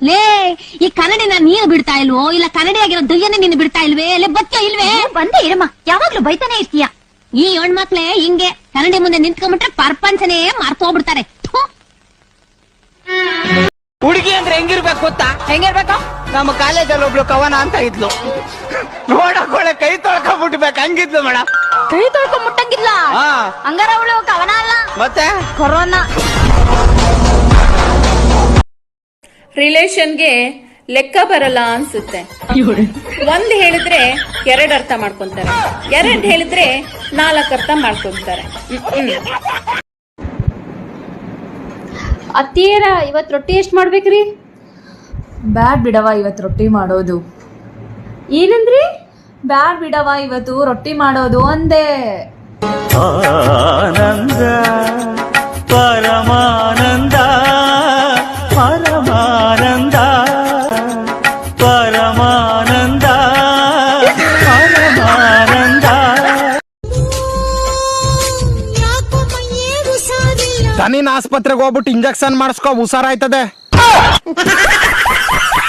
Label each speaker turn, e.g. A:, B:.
A: ಲೇ ಈ ಕನ್ನಡಿನ ನೀನು ಬಿಡ್ತಾ ಇಲ್ವೋ ಇಲ್ಲ ಕನ್ನಡಿ ಆಗಿರೋ ದಯ್ಯನೇ ನೀನು ಬಿಡ್ತಾ ಇಲ್ವೇ ಲೇ ಬಚ್ಚ ಇಲ್ವೇ?
B: ಬಂದೇ ಇರಮ್ಮ, ಯಾವಾಗ್ಲೂ ಬೈತಾನೆ ಇರ್ತೀಯ.
A: ಈ ಹೆಣ್ಮಕ್ಳೇ ಹಿಂಗೆ ಕನ್ನಡಿ ಮುಂದೆ ನಿಂತ್ಕೊಂಡ್ಬಿಟ್ರೆ ಪ್ರಪಂಚನೇ ಮರ್ತೋಗ್ಬಿಡ್ತಾರೆ.
C: ಹುಡುಗಿ ಅಂದ್ರೆ ಹೆಂಗಿರ್ಬೇಕು ಗೊತ್ತಾ?
B: ಹೆಂಗಿರ್ಬೇಕು?
C: ನಮ್ಮ ಕಾಲೇಜಲ್ಲಿ ಒಬ್ಳು ಕವನ ಅಂತ ಇದ್ಲು, ನೋಡಕೊಳ್ಳೆ ಕೈ ತೊಳ್ಕೊಂಡ್ಬಿಟ್ಬೇಕು ಹಂಗಿದ್ಲು ಮೇಡಮ್.
B: ಕೈ ತೊಳ್ಕೊಂಡ್ ಮುಟ್ಟಂಗಿಲ್ಲ. ಹಂಗಾರ ಅವಳು ಕವನ ಅಲ್ಲ
C: ಮತ್ತೆ
B: ಕೊರೋನಾ.
D: ರಿಲೇಷನ್ಗೆ ಲೆಕ್ಕ ಬರಲ್ಲ ಅನ್ಸುತ್ತೆ. ಒಂದ್ ಹೇಳಿದ್ರೆ 2 ಅರ್ಥ ಮಾಡ್ಕೊಂತಾರೆ, 2 ಹೇಳಿದ್ರೆ 4 ಅರ್ಥ ಮಾಡ್ಕೊಂತಾರೆ.
E: ಅತ್ತಿಯರ ಇವತ್ತು ರೊಟ್ಟಿ ಎಷ್ಟು ಮಾಡ್ಬೇಕ್ರಿ? ಬ್ಯಾಡ್ ಬಿಡವ ಇವತ್ತು ರೊಟ್ಟಿ ಮಾಡೋದು. ಏನಂದ್ರಿ? ಬ್ಯಾಡ್ ಬಿಡವ ಇವತ್ತು ರೊಟ್ಟಿ ಮಾಡೋದು ಅಂದೆ.
F: ಆನಂದ ಪರಮಾನಂದ ಪರಮಾನಂದ ಪರಮಾನಂದ ಪರಮಾನಂದ.
C: ದನಿನ ಆಸ್ಪತ್ರೆಗೆ ಹೋಗ್ಬಿಟ್ಟು ಇಂಜೆಕ್ಷನ್ ಮಾಡಿಸ್ಕೊ, ಹುಷಾರಾಯ್ತದೆ.